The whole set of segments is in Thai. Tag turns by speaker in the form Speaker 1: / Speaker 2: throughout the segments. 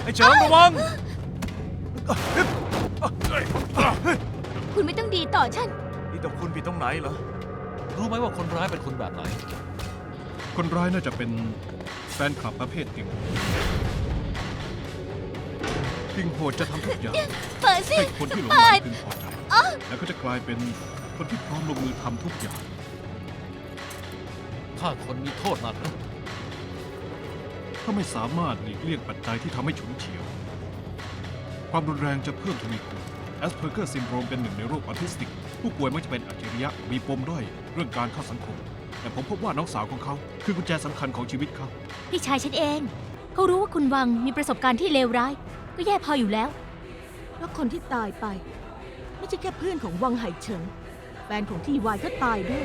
Speaker 1: ไอ้เฉิงระวัง
Speaker 2: คุณไม่ต้องดีต่อฉัน
Speaker 1: นี่แต่คุณผิดตรงไหนเหรอ
Speaker 3: รู้ไหมว่าคนร้ายเป็นคนแบบไหน
Speaker 4: คนร้ายน่าจะเป็นแฟนคลับประเภทติ่งติ่งโหดจะทำทุกอย่าง
Speaker 2: เปิดสิ
Speaker 4: ให้คนที่หลงไหลพึงพอใจ แล้วก็จะกลายเป็นคนที่พร้อมลงมือทำทุกอย่าง
Speaker 3: ถ้าคนมีโทษหนักนะ
Speaker 4: ถ้าไม่สามารถหลีกเลี่ยงปัจจัยที่ทำให้ฉุนเฉียว ความรุนแรงจะเพิ่มทวีคูณแอสเพอร์เกอร์ซินโดรมเป็นหนึ่งในโรคออทิสติก ผู้ป่วยมักจะเป็นอัจฉริยะมีปมด้อยเรื่องการเข้าสังคม แต่ผมพบว่าน้องสาวของเขาคือกุญแจสำคัญของชีวิตเขา
Speaker 2: พี่ชายฉันเอง เขารู้ว่าคุณวังมีประสบการณ์ที่เลวร้าย ก็แย่พออยู่แล้ว
Speaker 5: แล้วคนที่ตายไป ไม่ใช่แค่เพื่อนของวังไห่เฉิงแฟนของทีวายก็ตายด้วย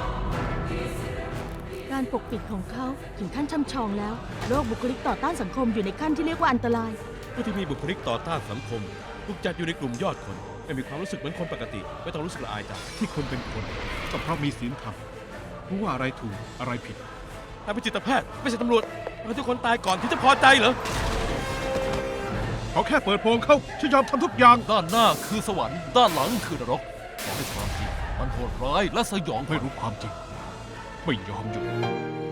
Speaker 5: การปกปิดของเขาถึงขั้นช่ำชองแล้วโรคบุคลิกต่อต้านสังคมอยู่ในขั้นที่เรียกว่าอันตราย
Speaker 6: ผู้ที่มีบุคลิกต่อต้านสังคมถูกจัดอยู่ในกลุ่มยอดคน ไม่มีความรู้สึกเหมือนคนปกติ ไม่ต้องรู้สึกละอายใจ
Speaker 4: ที่คนเป็นคนก็เพราะมีศีลธรรมรู้ว่าอะไรถูกอะไรผิด
Speaker 6: ถ้าเป็นจิตแพทย์ไม่ใช่ตำรวจเราทุกคนตายก่อนที่จะพอใจเหรอ
Speaker 4: เขาแค่เปิดโปงเขาฉันยอมทำทุกอย่าง
Speaker 3: ด้านหน้าคือสวรรค์ ด้านหลังคือนรกบอกให้ความจริงมันโหดร้ายและสยองข
Speaker 4: ไม่
Speaker 3: วัญ
Speaker 4: รู้ความจริง ไม่ยอมหยุด